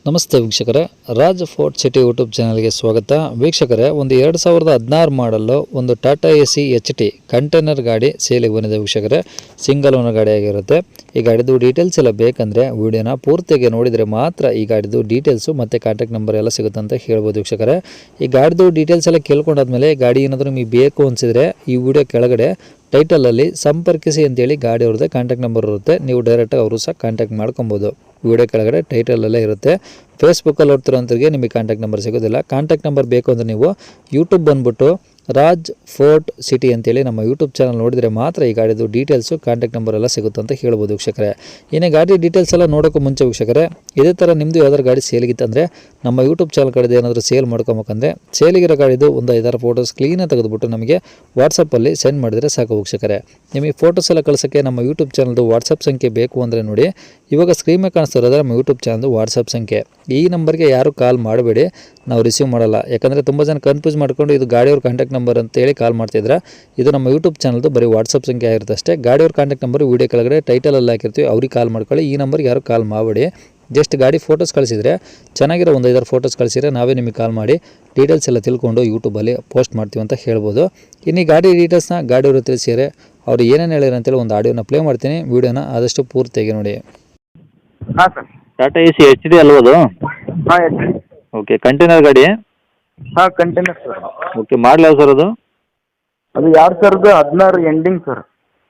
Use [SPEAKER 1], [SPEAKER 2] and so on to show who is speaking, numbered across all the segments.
[SPEAKER 1] ನಮಸ್ತೆ ವೀಕ್ಷಕರೇ, Raj fort city YouTube ಚಾನಲ್ಗೆ ಸ್ವಾಗತ. ವೀಕ್ಷಕರೇ, ಒಂದು 2016 ಮಾಡಲ್ಲು ಒಂದು ಟಾಟಾ ಎಸಿ HT ಕಂಟೈನರ್ ಗಾಡಿ ಸೇಲಿಗೆ ಬಂದಿದೆ ವೀಕ್ಷಕರೇ. ಸಿಂಗಲ್ ಓನರ್ ಗಾಡಿ ಆಗಿರುತ್ತೆ. ಈ ಗಾಡಿದು ಡೀಟೇಲ್ಸ್ ಎಲ್ಲ ಬೇಕಂದರೆ ವಿಡಿಯೋನ ಪೂರ್ತಿಯಾಗಿ ನೋಡಿದರೆ ಮಾತ್ರ ಈ ಗಾಡಿದು ಡೀಟೇಲ್ಸು ಮತ್ತು ಕಾಂಟ್ಯಾಕ್ಟ್ ನಂಬರ್ ಎಲ್ಲ ಸಿಗುತ್ತೆ ಅಂತ ಹೇಳ್ಬೋದು ವೀಕ್ಷಕರೇ. ಈ ಗಾಡಿದು ಡೀಟೇಲ್ಸ್ ಎಲ್ಲ ಕೇಳ್ಕೊಂಡಾದ್ಮೇಲೆ ಗಾಡಿ ಏನಾದರೂ ನಿಮಗೆ ಬೇಕು ಅನಿಸಿದರೆ ಈ ವಿಡಿಯೋ ಕೆಳಗಡೆ ಟೈಟಲಲ್ಲಿ ಸಂಪರ್ಕಿಸಿ ಅಂತೇಳಿ ಗಾಡಿ ಅವ್ರದ್ದೇ ಕಾಂಟ್ಯಾಕ್ಟ್ ನಂಬರ್ ಇರುತ್ತೆ. ನೀವು ಡೈರೆಕ್ಟಾಗಿ ಅವರು ಸಹ ಕಾಂಟ್ಯಾಕ್ಟ್ ಮಾಡ್ಕೊಬೋದು. ವಿಡಿಯೋ ಕೆಳಗಡೆ ಟೈಟಲಲ್ಲೇ ಇರುತ್ತೆ. ಫೇಸ್ಬುಕ್ಕಲ್ಲಿ ನೋಡ್ತಿರೋಂಥವ್ರಿಗೆ ನಿಮಗೆ ಕಾಂಟ್ಯಾಕ್ಟ್ ನಂಬರ್ ಸಿಗೋದಿಲ್ಲ. ಕಾಂಟ್ಯಾಕ್ಟ್ ನಂಬರ್ ಬೇಕು ಅಂದರೆ ನೀವು ಯೂಟ್ಯೂಬ್ ಬಂದುಬಿಟ್ಟು ರಾಜ್ ಫೋರ್ಟ್ ಸಿಟಿ ಅಂತೇಳಿ ನಮ್ಮ ಯೂಟ್ಯೂಬ್ ಚಾನಲ್ ನೋಡಿದರೆ ಮಾತ್ರ ಈ ಗಾಡಿದು ಡೀಟೇಲ್ಸು ಕಾಂಟ್ಯಾಕ್ಟ್ ನಂಬರ್ ಎಲ್ಲ ಸಿಗುತ್ತೆ ಅಂತ ಹೇಳ್ಬೋದು ವೀಕ್ಷಕರೇ. ಇನ್ನೇ ಗಾಡಿ ಡೀಟೇಲ್ಸ್ ಎಲ್ಲ ನೋಡೋಕ್ಕೂ ಮುಂಚೆ ವೀಕ್ಷಕರೇ, ಇದೇ ಥರ ನಿಮ್ಮದು ಯಾವ್ದಾದ್ರು ಗಾಡಿ ಸೇಲಿಗಿತ್ತಂದರೆ ನಮ್ಮ ಯೂಟ್ಯೂಬ್ ಚಾನಲ್ ಕಡೆದು ಏನಾದರೂ ಸೇಲ್ ಮಾಡ್ಕೊಬೇಕಂದ್ರೆ ಸೇಲಿಗಿರೋ ಗಾಡಿದು ಒಂದು 5-6 ಫೋಟೋಸ್ ಕ್ಲೀನಾಗಿ ತೆಗೆದುಬಿಟ್ಟು ನಮಗೆ ವಾಟ್ಸಪ್ಪಲ್ಲಿ ಸೆಂಡ್ ಮಾಡಿದರೆ ಸಾಕು ವೀಕ್ಷಕರೇ. ನಿಮಗೆ ಫೋಟೋಸ್ ಎಲ್ಲ ಕಳ್ಸೋಕ್ಕೆ ನಮ್ಮ ಯೂಟ್ಯೂಬ್ ಚಾನಲ್ದು ವಾಟ್ಸಪ್ ಸಂಖ್ಯೆ ಬೇಕು ಅಂದರೆ ನೋಡಿ, ಇವಾಗ ಸ್ಕ್ರೀನ್ ಮೇಲೆ ಕಾಣಿಸ್ತಿರೋದ್ರೆ ನಮ್ಮ ಯೂಟ್ಯೂಬ್ ಚಾನಲ್ದು ವಾಟ್ಸಪ್ ಸಂಖ್ಯೆ. ಈ ನಂಬರ್ಗೆ ಯಾರು ಕಾಲ್ ಮಾಡಬೇಡಿ, ನಾವು ರಿಸೀವ್ ಮಾಡಲ್ಲ. ಯಾಕಂದರೆ ತುಂಬ ಜನ ಕನ್ಫ್ಯೂಸ್ ಮಾಡ್ಕೊಂಡು ಇದು ಗಾಡಿಯವ್ರ ಕಾಂಟ್ಯಾಕ್ಟ್ ನಂಬರ್ ಅಂತೇಳಿ ಕಾಲ್ ಮಾಡ್ತಿದ್ರೆ, ಇದು ನಮ್ಮ ಯೂಟ್ಯೂಬ್ ಚಾನಲ್ದು ಬರೀ ವಾಟ್ಸಪ್ ಸಂಖ್ಯೆ ಆಗಿರುತ್ತೆ ಅಷ್ಟೇ. ಗಾಡಿಯವ್ರ ಕಾಂಟ್ಯಾಕ್ಟ್ ನಂಬರ್ ವೀಡಿಯೋ ಕೆಳಗಡೆ ಟೈಟಲಲ್ಲಿ ಹಾಕಿರ್ತೀವಿ, ಅವ್ರಿಗೆ ಕಾಲ್ ಮಾಡ್ಕೊಳ್ಳಿ. ಈ ನಂಬರ್ಗೆ ಯಾರು ಕಾಲ್ ಮಾಡಬೇಡಿ. ಜಸ್ಟ್ ಗಾಡಿ ಫೋಟೋಸ್ ಕಳಿಸಿದರೆ, ಚೆನ್ನಾಗಿರೋ ಒಂದು 5-6 ಫೋಟೋಸ್ ಕಳಿಸಿದರೆ ನಾವೇ ನಿಮಗೆ ಕಾಲ್ ಮಾಡಿ ಡೀಟೇಲ್ಸ್ ಎಲ್ಲ ತಿಳ್ಕೊಂಡು ಯೂಟ್ಯೂಬಲ್ಲಿ ಪೋಸ್ಟ್ ಮಾಡ್ತೀವಿ ಅಂತ ಹೇಳ್ಬೋದು. ಇನ್ನು ಈ ಗಾಡಿ ಡೀಟೇಲ್ಸ್ನ ಗಾಡಿಯವರು ತಿಳಿಸಿದರೆ ಅವ್ರು ಏನೇನು ಹೇಳಿದ್ರು ಅಂತೇಳಿ ಒಂದು ಆಡಿಯೋನ ಪ್ಲೇ ಮಾಡ್ತೀನಿ. ವೀಡಿಯೋನ ಆದಷ್ಟು ಪೂರ್ತಿಯಾಗಿ ನೋಡಿ.
[SPEAKER 2] ಹಾಂ ಸರ್.
[SPEAKER 3] ಟಾಟಾ ಎಸಿ HD ಅಲ್ವಾ ಅದು?
[SPEAKER 2] ಹಾಂ ಎಸ್
[SPEAKER 3] ಓಕೆ, ಕಂಟೈನರ್ ಗಾಡಿ.
[SPEAKER 2] ಹಾಂ ಕಂಟೈನರ್ ಸರ್.
[SPEAKER 3] ಓಕೆ, ಮಾಡಲ್ ಯಾವ ಸರ್ ಅದು?
[SPEAKER 2] ಅದು 2016 ಎಂಡಿಂಗ್ ಸರ್.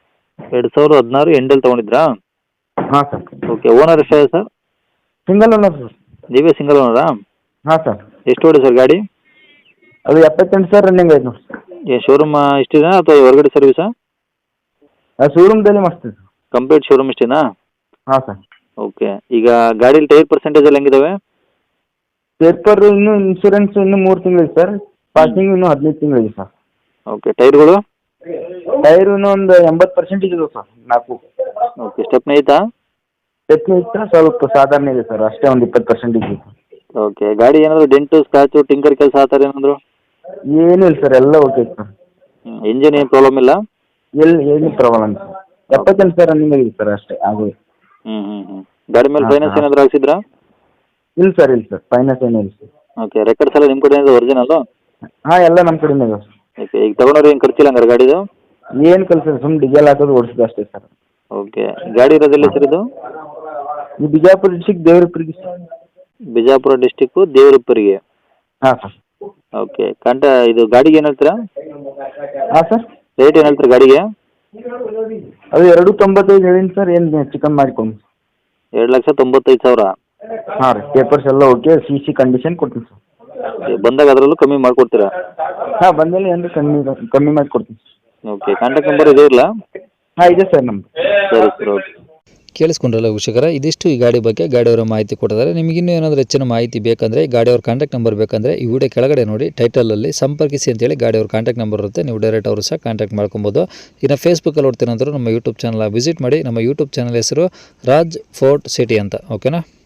[SPEAKER 3] 2016 ಎಂಡಲ್ಲಿ ತೊಗೊಂಡಿದ್ರಾ?
[SPEAKER 2] ಹಾಂ ಸರ್.
[SPEAKER 3] ಓಕೆ, ಓನರ್ ಎಷ್ಟಾಗಿದೆ ಸರ್?
[SPEAKER 2] Single owner sir.
[SPEAKER 3] ನೀವೇ ಸಿಂಗಲ್ ಓನರಾ?
[SPEAKER 2] ಹಾಂ ಸರ್.
[SPEAKER 3] ಎಷ್ಟು ಓಡಿ ಸರ್ ಗಾಡಿ?
[SPEAKER 2] ಅದು 78 ಸರ್ ರನ್ನಿಂಗ್ ಆಯ್ತು ನೋಡಿ.
[SPEAKER 3] ಏನು ಶೋರೂಮ್ ಇಷ್ಟಿದೆ ಅಥವಾ ಹೊರಗಡೆ ಸರ್ವಿಸಾ?
[SPEAKER 2] ಶೋರೂಮ್ದಲ್ಲಿ ಮಸ್ತ್ ಸರ್.
[SPEAKER 3] ಕಂಪ್ಲೀಟ್ ಶೋರೂಮ್ ಇಷ್ಟೇನಾ?
[SPEAKER 2] ಹಾಂ ಸರ್.
[SPEAKER 3] ಓಕೆ, ಈಗ ಗಾಡೀಲಿ ಟೈರ್ ಪರ್ಸೆಂಟೇಜ್ ಎಲ್ಲ ಹೆಂಗಿದಾವೆ?
[SPEAKER 2] ಪೇಪರ್ ಇನ್ನೂ ಇನ್ಶೂರೆನ್ಸ್ ಇನ್ನೂ 3 ತಿಂಗಳಿದೆ ಸರ್. ಪಾಸಿಂಗ್ ಇನ್ನೂ 15 ತಿಂಗಳಿದೆ ಸರ್.
[SPEAKER 3] ಓಕೆ, ಟೈರ್ಗಳು?
[SPEAKER 2] ಟೈರು ಇನ್ನೂ ಒಂದು 80% ಇದೆ ಸರ್. 4
[SPEAKER 3] ಓಕೆ, ಸ್ಟೆಪ್ನಿ ಐತಾ?
[SPEAKER 2] ಟೆಕ್ನಿ ಇತ್ತು, ಸ್ವಲ್ಪ ಸಾಧಾರಣ ಇದೆ ಸರ್. ಅಷ್ಟೇ ಒಂದು 20% ಇದೆ ಸರ್.
[SPEAKER 3] ಓಕೆ, ಗಾಡಿ ಏನಾದರೂ ಡೆಂಟು ಸ್ಕ್ರಾಚು ಟಿಂಕರ್ ಕೆಲಸ ಆ ಥರ ಏನಾದರೂ?
[SPEAKER 2] ಏನೂ ಇಲ್ಲ ಸರ್, ಎಲ್ಲ ಓಕೆ ಸರ್.
[SPEAKER 3] ಇಂಜಿನ್ ಏನು ಪ್ರಾಬ್ಲಮ್ ಇಲ್ಲ?
[SPEAKER 2] ಏನು ಪ್ರಾಬ್ಲಮ್ ಸರ್. 78 ಸರ್ ರನ್ನಿಂಗ್ ಆಗಿದೆ ಸರ್, ಅಷ್ಟೇ ಆಗೋದು.
[SPEAKER 3] ಗಾಡಿ ಮೇಲೆ ಫೈನಾನ್ಸ್ ಏನಾದರೂ ಹಾಕ್ಸಿದ್ರಾ?
[SPEAKER 2] ಇಲ್ಲ ಸರ್, ಇಲ್ಲ ಸರ್, ಫೈನಾನ್ಸ್ ಏನೂ ಇಲ್ಲ ಸರ್.
[SPEAKER 3] ಓಕೆ, ರೆಕಾರ್ಡ್ಸ್ ಎಲ್ಲ ನಿಮ್ಮ ಕಡೆ ಒರಿಜಿನಲ್ಲು?
[SPEAKER 2] ಹಾಂ, ಎಲ್ಲ ನಮ್ಮ ಕಡೆನೇ ಇದೆ ಸರ್.
[SPEAKER 3] ಓಕೆ, ಈಗ ತೊಗೊಂಡ್ರೆ ಏನು ಖರ್ಚಿಲ್ಲ ಹಂಗಾರೆ ಗಾಡಿದು?
[SPEAKER 2] ಏನು ಕಲ್ಸಲ್ಲ, ಸುಮ್ಮನೆ ಡೀಸೆಲ್ ಹಾಕೋದು ಓಡಿಸೋದು ಅಷ್ಟೇ ಸರ್.
[SPEAKER 3] ಓಕೆ, ಗಾಡಿ ಇರೋದಿಲ್ಲ ಸರ್ ಇದು?
[SPEAKER 2] ಈ ಬಿಜಾಪುರ ಡಿಸ್ಟಿಕ್ ದೇವರಪುರಿಗೆ ಸರ್.
[SPEAKER 3] ಬಿಜಾಪುರ ಡಿಸ್ಟಿಕ್ಕು ದೇವರಪುರಿಗೆ.
[SPEAKER 2] ಹಾಂ ಸರ್.
[SPEAKER 3] ಓಕೆ, ಇದು ಗಾಡಿಗೆ ಏನು ಹೇಳ್ತೀರಾ?
[SPEAKER 2] ಹಾಂ ಸರ್.
[SPEAKER 3] ರೇಟ್ ಏನು ಹೇಳ್ತೀರಾ ಗಾಡಿಗೆ?
[SPEAKER 2] ಅದು 2.95 ಹೇಳಿನಿ ಸರ್. ಏನು ಚಿಕನ್ ಮಾಡಿಕೊಂಡು
[SPEAKER 3] 2,95,000.
[SPEAKER 2] ಹಾಂ ರೀ, ಪೇಪರ್ಸ್ ಎಲ್ಲ ಓಕೆ, CC ಕಂಡೀಷನ್ ಕೊಡ್ತೀನಿ ಸರ್.
[SPEAKER 3] ಬಂದಾಗ ಅದರಲ್ಲೂ ಕಮ್ಮಿ ಮಾಡಿಕೊಡ್ತೀರಾ?
[SPEAKER 2] ಹಾಂ, ಬಂದಲ್ಲಿ ಏನು ಕಮ್ಮಿ ಮಾಡಿ ಕೊಡ್ತೀನಿ ಸರ್.
[SPEAKER 3] ಓಕೆ, ಕಾಂಟ್ಯಾಕ್ಟ್ ನಂಬರ್ ಇದೆ ಇರಲ್ಲ?
[SPEAKER 2] ಹಾಂ, ಇದೆ ಸರ್ ನಮ್ಮದು.
[SPEAKER 3] ಸರಿ ಸರ್, ಓಕೆ.
[SPEAKER 1] ಕೇಳಿಸ್ಕೊಂಡ್ರಲ್ಲ ವೀಕ್ಷಕರೇ, ಇದಿಷ್ಟು ಈ ಗಾಡಿ ಬಗ್ಗೆ ಗಾಡಿಯವರ ಮಾಹಿತಿ ಕೊಟ್ಟಿದ್ದಾರೆ. ನಿಮಗಿನ್ನೂ ಏನಾದರೂ ಹೆಚ್ಚಿನ ಮಾಹಿತಿ ಬೇಕಂದರೆ ಗಾಡಿಯವ್ರ ಕಾಂಟ್ಯಾಕ್ಟ್ ನಂಬರ್ ಬೇಕಂದರೆ ಈ ವಿಡಿಯೋ ಕೆಳಗಡೆ ನೋಡಿ ಟೈಟಲಲ್ಲಿ ಸಂಪರ್ಕಿಸಿ ಅಂತೇಳಿ ಗಾಡಿಯವ್ರ ಕಾಂಟ್ಯಾಕ್ಟ್ ನಂಬರ್ ಇರುತ್ತೆ. ನೀವು ಡೈರೆಕ್ಟ್ ಅವರು ಸಹ ಕಾಂಟ್ಯಾಕ್ಟ್ ಮಾಡ್ಕೊಬೋದು. ಇನ್ನು ಫೇಸ್ಬುಕ್ಕಲ್ಲಿ ನೋಡ್ತೀನಂದ್ರೆ ನಮ್ಮ ಯೂಟ್ಯೂಬ್ ಚಾನಲ್ ವಿಸಿಟ್ ಮಾಡಿ. ನಮ್ಮ ಯೂಟ್ಯೂಬ್ ಚಾನಲ್ ಹೆಸರು ರಾಜ್ ಫೋರ್ಟ್ ಸಿಟಿ ಅಂತ. ಓಕೆನಾ?